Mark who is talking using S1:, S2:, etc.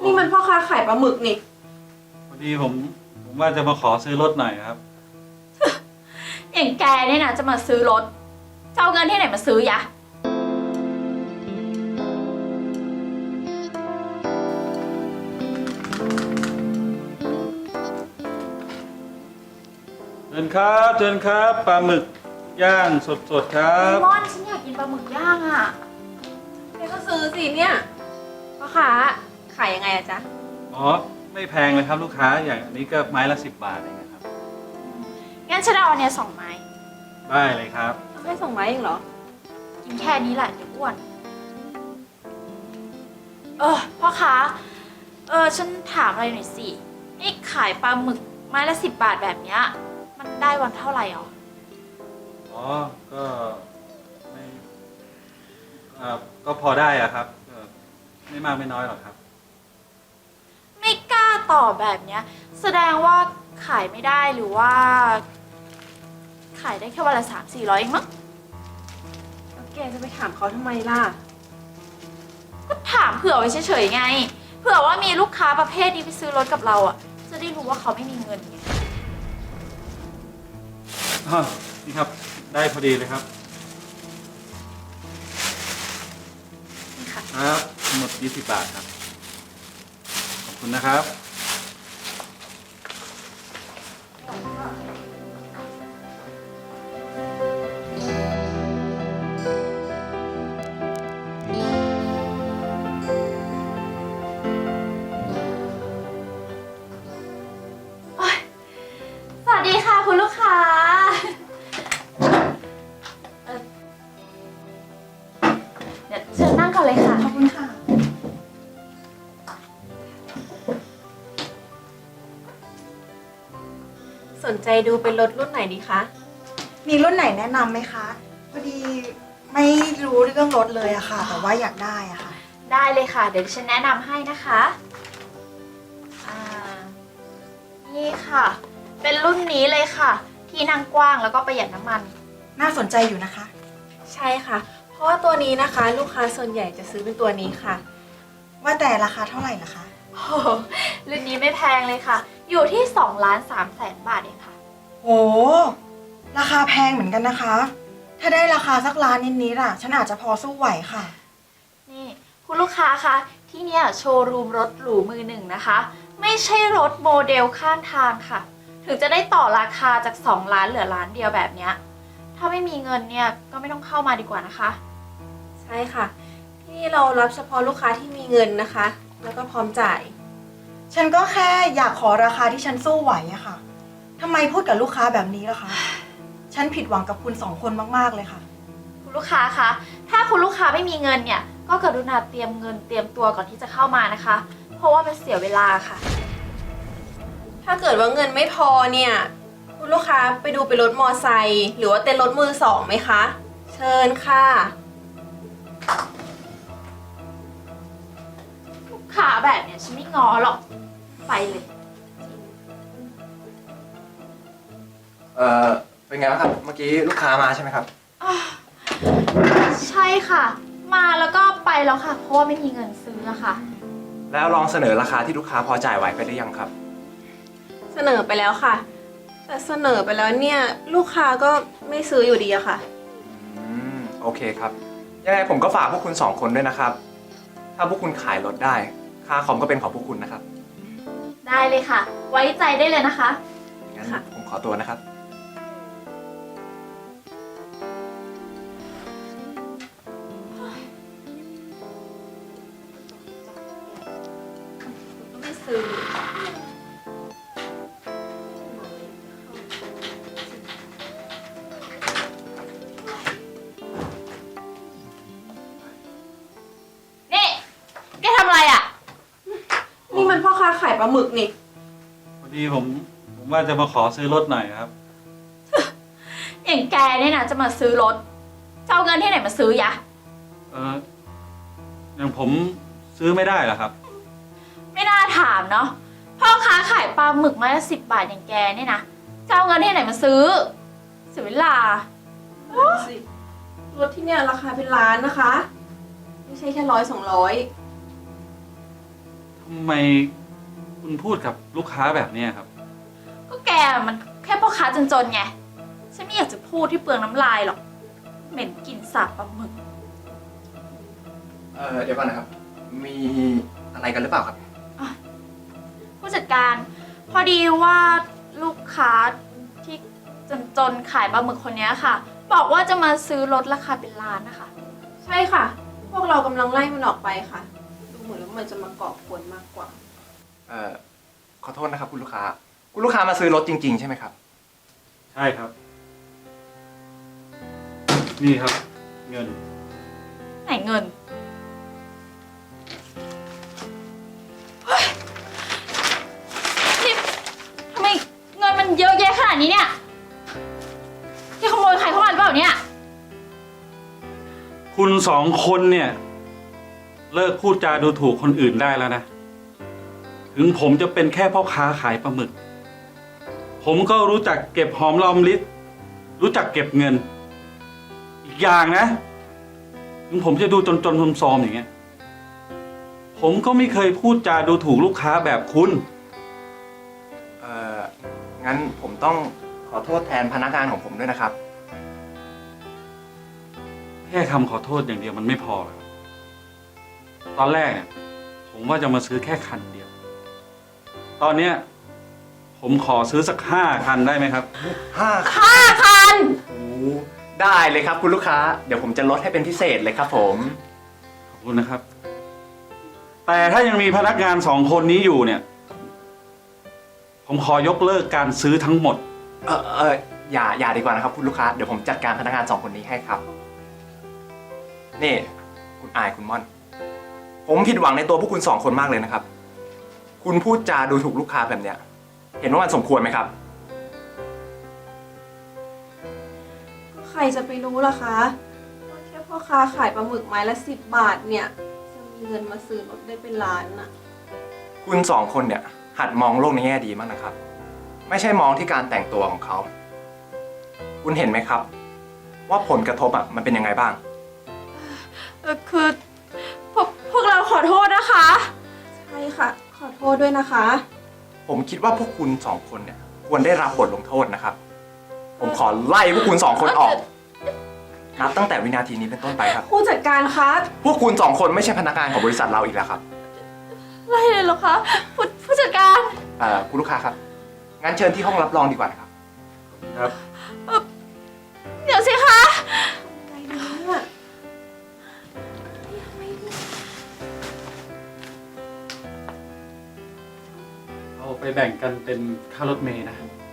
S1: นี่มันพ่อค้าขายปลาหมึกนี่
S2: พอดีผมว่าจะมาขอซื้อรถหน่อยครับ
S3: อย่างแกเนี่ยนะจะมาซื้อรถจะเอาเงินที่ไหนมาซื้อยะ
S2: เชิญครับเชิญครับปลาหมึกย่างสดๆครับ
S3: ม่อนฉันอยากกินปลาหมึกย่างอ่ะ
S1: แกก็ซื้อสิเนี่ยพ่อค้าขายยังไงอะจ๊ะ
S2: อ๋อไม่แพงเลยครับลูกค้าอย่างอันนี้ก็ไม้ละ10 บาทเองนะครับ
S3: งั้นฉันเอาอันเนี้ย2 ไม้
S2: ได้เลยครับ
S1: เอาแค่ส่งไม้เองเหรอ
S3: กินแค่นี้แหละเดี๋ยวอ้วนพ่อค้าฉันถามอะไรหน่อยสินี่ขายปลาหมึกไม้ละ10 บาทแบบเนี้ยมันได้วันเท่าไหร่หรอ
S2: อ๋อก็ไม่ก็พอได้อะครับไม่มากไม่น้อยหรอกครับ
S3: ไม่กล้าตอบแบบเนี้ยแสดงว่าขายไม่ได้หรือว่า ขายได้แค่วันละ300-400เองมั้ง
S1: แล้วแกจะไปถามเขาทำไมล่ะ
S3: ก็ถามเผื่อไว้เฉยๆไง เผื่อว่ามีลูกค้าประเภทนี้ไปซื้อรถกับเราอ่ะจะได้รู้ว่าเขาไม่มีเงินไง
S2: นี่ครับได้พอดีเลยครับ
S3: นี่ค่ะ
S2: ครับทั้งหมด20 บาทครับขอบคุณนะครับ
S3: สวัสดีค่ะคุณลูกค้าเดี๋ยวเชิญนั่งก่อนเลยค่ะ
S1: ขอบคุณค่ะ สนใจดูเป็นรถรุ่นไหนดีคะ
S4: มีรุ่นไหนแนะนำไหมคะ พอดีไม่รู้เรื่องรถเลยอะค่ะ แต่ว่าอยากได้อะค่ะ
S3: ได้เลยค่ะ เดี๋ยวดิฉันแนะนำให้นะคะอ่านี่ค่ะ เป็นรุ่นนี้เลยค่ะ ที่นั่งกว้างแล้วก็ประหยัดน้ำมัน
S4: น่าสนใจอยู่นะคะ
S1: ใช่ค่ะ เพราะว่าตัวนี้นะคะ ลูกค้าส่วนใหญ่จะซื้อเป็นตัวนี้ค่ะ
S4: ว่าแต่ราคาเท่าไหร่ล่ะคะ
S3: โอ้โหรุ่นนี้ไม่แพงเลยค่ะ อยู่ที่2,300,000 บาทเองค่ะ
S4: โห ราคาแพงเหมือนกันนะคะ ถ้าได้ราคาสักล้านนิดๆอะฉันอาจจะพอสู้ไหวค่ะ
S3: นี่คุณลูกค้าคะที่เนี่ยโชว์รูมรถหรูมือหนึ่งนะคะ ไม่ใช่รถโมเดลข้างทางค่ะ ถึงจะได้ต่อราคาจาก2 ล้านเหลือล้านเดียวแบบเนี้ยถ้าไม่มีเงินเนี่ยก็ไม่ต้องเข้ามาดีกว่านะคะ
S1: ใช่ค่ะ ที่นี่เรารับเฉพาะลูกค้าที่มีเงินนะคะ แล้วก็พร้อมจ่าย
S4: ฉันก็แค่อยากขอราคาที่ฉันสู้ไหวอะค่ะทำไมพูดกับลูกค้าแบบนี้ล่ะคะ ฉันผิดหวังกับคุณ2 คนมากๆเลยค่ะ
S3: คุณลูกค้าคะถ้าคุณลูกค้าไม่มีเงินเนี่ยก็กรุณาเตรียมเงินเตรียมตัวก่อนที่จะเข้ามานะคะ เพราะว่ามันเสียเวลาค่ะ
S1: ถ้าเกิดว่าเงินไม่พอเนี่ย คุณลูกค้าไปดูเป็นรถมอไซค์หรือว่าเต้นรถมือสองไหมคะ เชิญค่ะ
S3: ลูกค้าแบบเนี้ยฉันไม่ง้อหรอกไปเลย
S5: เป็นไงบ้างครับ เมื่อกี้ลูกค้ามาใช่ไหมครับ
S3: ใช่ค่ะ มาแล้วก็ไปแล้วค่ะ เพราะว่าไม่มีเงินซื้ออะค่ะ
S5: แล้วลองเสนอราคาที่ลูกค้าพอจ่ายไหวไปหรือยังครับ
S1: เสนอไปแล้วค่ะ แต่เสนอไปแล้วเนี่ยลูกค้าก็ไม่ซื้ออยู่ดีอะค่ะ
S5: โอเคครับ ยังไงผมก็ฝากพวกคุณ2 คนด้วยนะครับ ถ้าพวกคุณขายรถได้ ค่าคอมก็เป็นของพวกคุณนะครับ
S3: ได้เลยค่ะ ไว้ใจได้เลยนะคะ
S5: งั้น
S1: ค่ะ
S5: ผมขอตัวนะครับ
S3: ไม่ซื้อนี่แกทำอะไรอ่ะ
S1: นี่มันพ่อค้าขายปลาหมึกนี่
S2: พอดีผมว่าจะมาขอซื้อรถหน่อยครับ
S3: อย่างแกเนี่ยนะจะมาซื้อรถจะเอาเงินที่ไหนมาซื้อยะ
S2: อย่างผมซื้อไม่ได้เหรอครับ
S3: ไม่น่าถามเนาะพ่อค้าขายปลาหมึกไม้ละ10 บาทอย่างแกเนี่ยนะจะเอาเงินที่ไหนมาซื้อเสียเวลา
S1: รถที่เนี่ยราคาเป็นล้านนะคะ ไม่ใช่แค่100-200
S2: ทำทำไมคุณพูดกับลูกค้าแบบเนี้ยครับ
S3: ก็แกมันแค่พ่อค้าจนๆไง ฉันไม่อยากจะพูดที่เปลืองน้ำลายหรอก เหม็นกลิ่นสาบปลาหมึก
S5: เดี๋ยวก่อนนะครับ มีอะไรกันหรือเปล่าครับ
S3: ผู้จัดการพอดีว่าลูกค้าที่จนๆขายปลาหมึกคนนี้ค่ะ บอกว่าจะมาซื้อรถราคาเป็นล้านนะคะ
S1: ใช่ค่ะ พวกเรากำลังไล่มันออกไปค่ะ ดูเหมือนว่ามันจะมาก่อกวนมากกว่า
S5: ขอโทษนะครับคุณลูกค้า คุณลูกค้ามาซื้อรถจริงๆใช่ไหมครับ
S2: ใช่ครับ นี่ครับ เงิน
S3: ไหนเงินเฮ้ยนี่ทำไมเงินมันเยอะแยะขนาดนี้เนี่ยแกขโมยใครเข้ามาหรือเปล่าเนี่ย
S2: คุณสองคนเนี่ย เลิกพูดจาดูถูกคนอื่นได้แล้วนะ ถึงผมจะเป็นแค่พ่อค้าขายปลาหมึก ผมก็รู้จักเก็บหอมรอมริบรู้จักเก็บเงิน อีกอย่างนะ ถึงผมจะดูจนๆซอมๆอย่างเงี้ย ผมก็ไม่เคยพูดจาดูถูกลูกค้าแบบคุณ
S5: งั้นผมต้องขอโทษแทนพนักงานของผมด้วยนะครับ
S2: แค่คำขอโทษอย่างเดียวมันไม่พอครับ ตอนแรกเนี่ยผมว่าจะมาซื้อแค่คันเดียว ตอนเนี้ยผมขอซื้อสัก5 คันได้ไหมครับ
S5: 5
S3: คัน
S5: โอ้ได้เลยครับคุณลูกค้า เดี๋ยวผมจะลดให้เป็นพิเศษเลยครับผม
S2: ขอบคุณนะครับ แต่ถ้ายังมีพนักงาน2 คนนี้อยู่เนี่ย ผมขอยกเลิกการซื้อทั้งหมด
S5: อย่าดีกว่านะครับคุณลูกค้า เดี๋ยวผมจัดการพนักงาน2 คนนี้ให้ครับ นี่คุณอายคุณม่อน ผมผิดหวังในตัวพวกคุณ2 คนมากเลยนะครับ คุณพูดจาดูถูกลูกค้าแบบเนี้ย เห็นว่ามันสมควรไหมครับ
S1: ใครจะไปรู้ล่ะคะว่าแค่พ่อค้าขายปลาหมึกไม้ละ10 บาทเนี่ย จะมีเงินมาซื้อรถได้เป็นล้านน่ะ
S5: คุณ2 คนเนี่ยหัดมองโลกในแง่ดีมากนะครับ ไม่ใช่มองที่การแต่งตัวของเขา คุณเห็นไหมครับ ว่าผลกระทบมันเป็นยังไงบ้าง
S3: คือพวกเราขอโทษนะคะ
S1: ใช่ค่ะ ขอโทษด้วยนะคะ
S5: ผมคิดว่าพวกคุณ2 คนเนี่ยควรได้รับบทลงโทษนะครับ ผมขอไล่พวกคุณ2 คนออกนับตั้งแต่วินาทีนี้เป็นต้นไปครับ
S1: ผู้จัดการคะ
S5: พวกคุณ2 คนไม่ใช่พนักงานของบริษัทเราอีกแล้วครับ
S3: ไล่เลยเหรอคะผู้จัดการ
S5: คุณลูกค้าครับ งั้นเชิญที่ห้องรับรองดีกว่านะครับ
S2: ครับ
S3: เดี๋ยวสิคะ
S1: ไงดีเนี่ย
S2: เอาไปแบ่งกันเป็นค่ารถเมล์นะ
S1: ไ